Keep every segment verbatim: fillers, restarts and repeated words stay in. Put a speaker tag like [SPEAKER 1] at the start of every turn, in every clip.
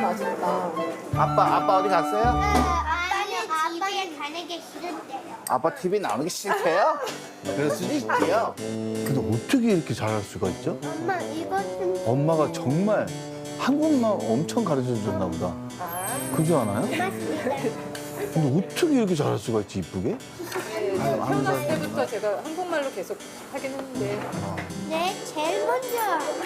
[SPEAKER 1] 맛있다.
[SPEAKER 2] 아빠, 아빠 어디 갔어요?
[SPEAKER 3] 아빠는 아빠가 가는 게 싫은데요.
[SPEAKER 2] 아빠 티비 나오는 게 싫대요? 그럴 수도 있지요. 근데 어떻게 이렇게 잘할 수가 있죠?
[SPEAKER 3] 엄마 이거 좀
[SPEAKER 2] 엄마가 정말 한국말 엄청 가르쳐 줬나 보다. 그러지 않아요?
[SPEAKER 3] 고맙습니다.
[SPEAKER 2] 근데 어떻게 이렇게 잘할 수가 있지, 이쁘게? 아유, 하는
[SPEAKER 1] 태어났을
[SPEAKER 2] 사람이
[SPEAKER 1] 때부터 제가 한국말로 계속 하긴 했는데
[SPEAKER 3] 네, 제일 먼저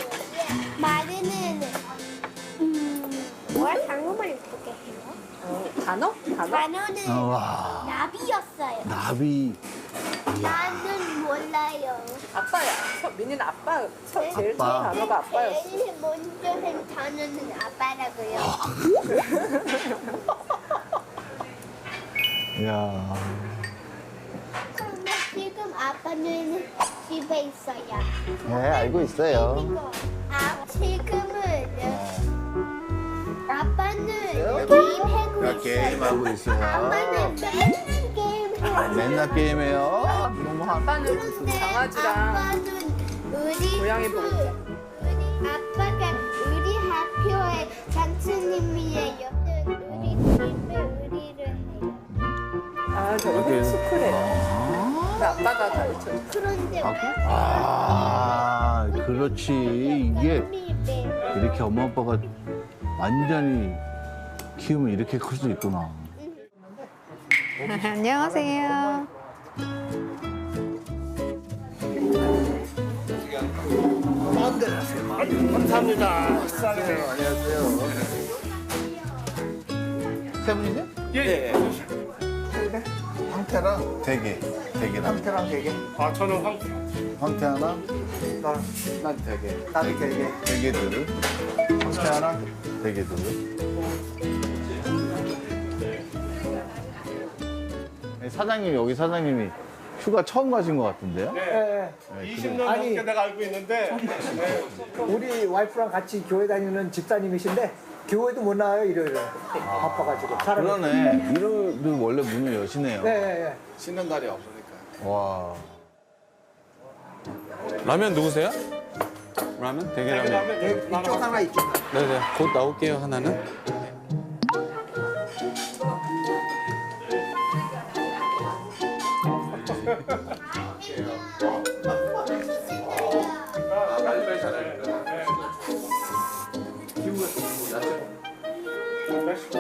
[SPEAKER 3] 말하는 음, 뭐야 한국말 어떻게 해요?
[SPEAKER 1] 어, 단어? 단어?
[SPEAKER 3] 단어는
[SPEAKER 2] 아, 와,
[SPEAKER 3] 나비였어요.
[SPEAKER 2] 나비.
[SPEAKER 3] 나는 몰라요.
[SPEAKER 1] 아빠야. 서- 민이는 아빠. 서- 제일 첫
[SPEAKER 2] 아빠.
[SPEAKER 1] 단어가 아빠였어.
[SPEAKER 3] 제일 먼저 한 단어는 아빠라고요.
[SPEAKER 2] 이야.
[SPEAKER 3] 그런데 지금 아빠는 집에 있어요.
[SPEAKER 2] 네, 알고 있어요.
[SPEAKER 3] 그리고 아, 지금은 아빠는 게임하고 있어요.
[SPEAKER 2] 게임하고 있어요.
[SPEAKER 3] 아빠는 맨날 게임해요.
[SPEAKER 2] 맨날 게임해요. 너무 한.
[SPEAKER 1] 아빠는
[SPEAKER 3] 그런데
[SPEAKER 1] 강아지랑
[SPEAKER 3] 아빠는 우리
[SPEAKER 1] 고양이 보고
[SPEAKER 3] 그- 우리 아빠가 우리 학교의 장수님이에요. 우리 집에 의리를 해요.
[SPEAKER 1] 아, 저기 스쿨에. 그 아빠가 가르쳐.
[SPEAKER 3] 그런데
[SPEAKER 2] 아, 그렇지. 이게
[SPEAKER 3] 게
[SPEAKER 2] 이렇게 엄마 아빠가 완전히 키우면 이렇게 클 수 있구나.
[SPEAKER 4] 안녕하세요.
[SPEAKER 2] 감사합니다. 식사하세요. 안녕하세요. 세 분이세요?
[SPEAKER 5] 예, 예.
[SPEAKER 2] 황태랑 대게. 대게랑.
[SPEAKER 5] 황태랑 대게. 아, 저는 황,
[SPEAKER 2] 황태 하나,
[SPEAKER 5] 나,
[SPEAKER 2] 난 대게.
[SPEAKER 5] 나비 대게.
[SPEAKER 2] 대게들. 황태 하나, 대게들. 네, 사장님, 여기 사장님이 휴가 처음 가신 것 같은데요?
[SPEAKER 5] 예, 예. 이십 년
[SPEAKER 6] 아니.
[SPEAKER 5] 넘게 내가 알고 있는데, 네.
[SPEAKER 6] 우리 와이프랑 같이 교회 다니는 집사님이신데 교회도 못 나와요 일요일에 바빠가지고 사람이
[SPEAKER 2] 그러네. 일요일도 원래 문을 여시네요.
[SPEAKER 6] 네, 네,
[SPEAKER 2] 쉬는 날이 없으니까. 와.
[SPEAKER 7] 라면 누구세요? 라면? 대게라면.
[SPEAKER 5] 그다음에
[SPEAKER 6] 네. 이쪽 하나 이쪽 하나
[SPEAKER 7] 네네. 곧 나올게요, 하나는.
[SPEAKER 5] 멕시코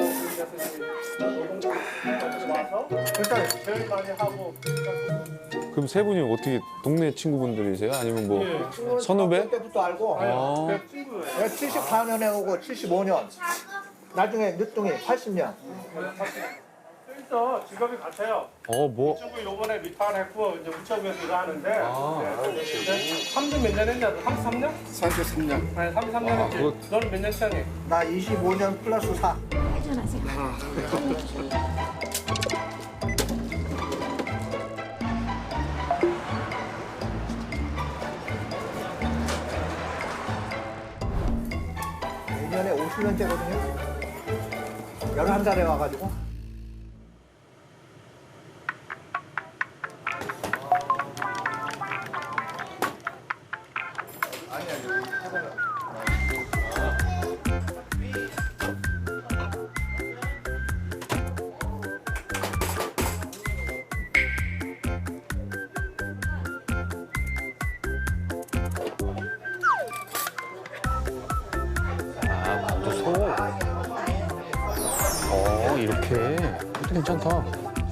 [SPEAKER 5] 와서
[SPEAKER 6] 일단
[SPEAKER 5] 제일 많이 하고.
[SPEAKER 7] 그럼 세 분이 어떻게 동네 친구분들이세요? 아니면 뭐
[SPEAKER 5] 예.
[SPEAKER 7] 선후배?
[SPEAKER 6] 때부터 알고
[SPEAKER 7] 아.
[SPEAKER 5] 그 친구예요.
[SPEAKER 6] 내가 칠십사 년에 오고 칠십오 년 나중에 늦둥이 팔십 년
[SPEAKER 5] 그래서 직업이 같아요.
[SPEAKER 7] 어, 뭐.
[SPEAKER 5] 친구 요번에 리타일했고 이제 우체국에서 일을 하는데.
[SPEAKER 7] 아,
[SPEAKER 5] 삼십 몇 년 했냐? 삼십삼 년?
[SPEAKER 2] 삼십삼 년.
[SPEAKER 5] 아니, 삼십삼 년 했지.
[SPEAKER 7] 그거-
[SPEAKER 5] 너는 몇 년 차니?
[SPEAKER 6] 나 이십오 년 플러스 사 내년에 오십 년째거든요 열한 살에 와가지고
[SPEAKER 7] 아, 완전 소. 어, 이렇게. 이것도 괜찮다.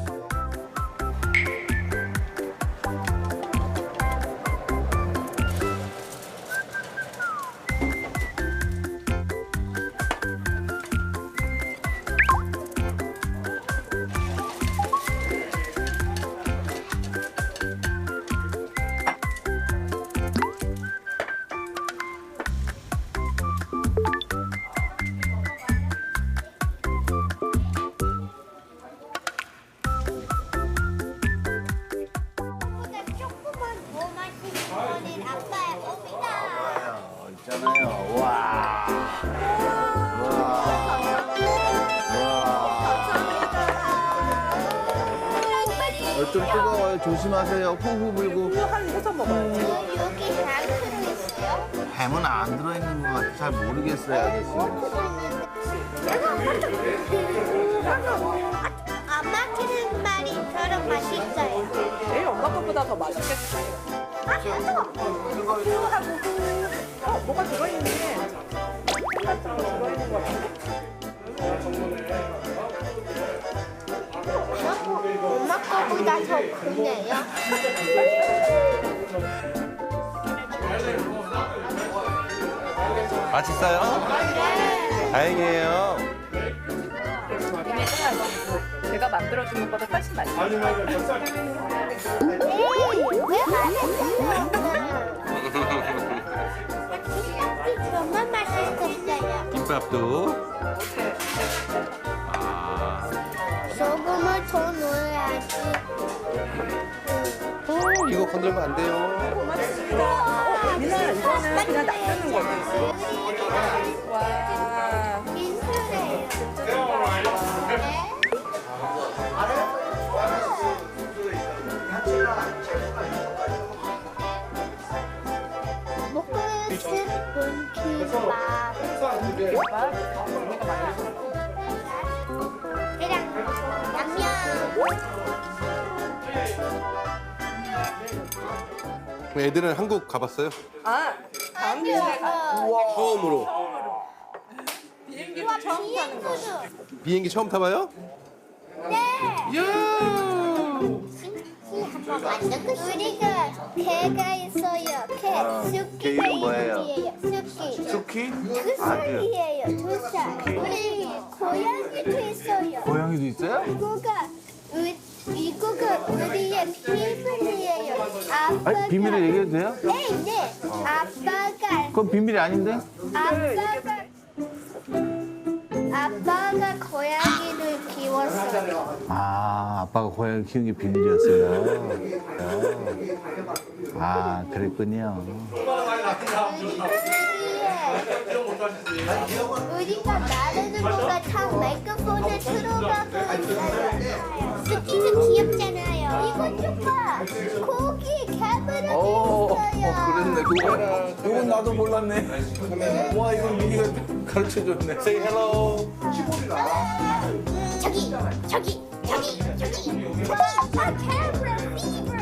[SPEAKER 3] 보다 조금만 더 맛있는 거는 아빠의 겁니다.
[SPEAKER 2] 어, 있잖아요. 와. 와. 어, 좀 뜨거워요. 조심하세요. 후후 불고.
[SPEAKER 1] 이거 한 해서 먹어요.
[SPEAKER 3] 여기 햄 들어있어요?
[SPEAKER 2] 햄은 안 들어있는 것 같아. 잘 모르겠어요, 아저씨.
[SPEAKER 1] 이거보다 더 맛있겠지. 어, 뭐가 들어있네. 같은 거 들어있는 거 같은데?
[SPEAKER 3] 엄마 거보다 더 크네요.
[SPEAKER 2] 맛있어요? 다행이에요.
[SPEAKER 1] 제가 만들어준 것보다 훨씬 맛있어.
[SPEAKER 3] 에이, 왜 맛있어요? 정말 맛있었어요.
[SPEAKER 2] 김밥도.
[SPEAKER 3] 소금을 더 넣어야지.
[SPEAKER 2] 어, 이거 건들면 안 돼요.
[SPEAKER 1] 고맙습니다. 민아, 이거는 그냥 놔두는 거지. 와.
[SPEAKER 3] 민수래요. 먹고 싶은 김밥. 그냥 냠냠.
[SPEAKER 2] 애들은 한국 가봤어요?
[SPEAKER 1] 아, 다음 주에 가.
[SPEAKER 2] 처음으로.
[SPEAKER 1] 비행기도 처음 타는 거.
[SPEAKER 2] 비행기 처음 타봐요?
[SPEAKER 3] 네.
[SPEAKER 2] 이야.
[SPEAKER 3] 우리가 개가 있어요. 개. 쑥기가
[SPEAKER 2] 개 이름 뭐예요?
[SPEAKER 3] 있어요. 쑥기.
[SPEAKER 2] 수키?
[SPEAKER 3] 두 살이에요. 두 살. 우리 고양이도 있어요.
[SPEAKER 2] 고양이도 있어요?
[SPEAKER 3] 이거가 우, 이거가 우리의 비밀이에요. 아빠가.
[SPEAKER 4] 아니, 비밀을 얘기해도 돼요?
[SPEAKER 3] 네, 네. 아빠가.
[SPEAKER 4] 그건 비밀이 아닌데?
[SPEAKER 3] 아빠가. 아빠가 고양이를 키웠어요.
[SPEAKER 4] 아, 아빠가 고양이 키운 게 비밀이었어요. 아, 그랬군요.
[SPEAKER 3] 우리가 나르는 거가 다 마이크폰에 들어가고 있어요. 스키는 귀엽잖아요. 이거 좀 봐. 고기 캐브라기 있어요.
[SPEAKER 2] 그거랑.
[SPEAKER 4] 이건 나도 몰랐네. 와, 이건 미니가 가르쳐줬네. Say hello.
[SPEAKER 3] 저기, 저기, 저기, 저기. 아, 캐브라 피버.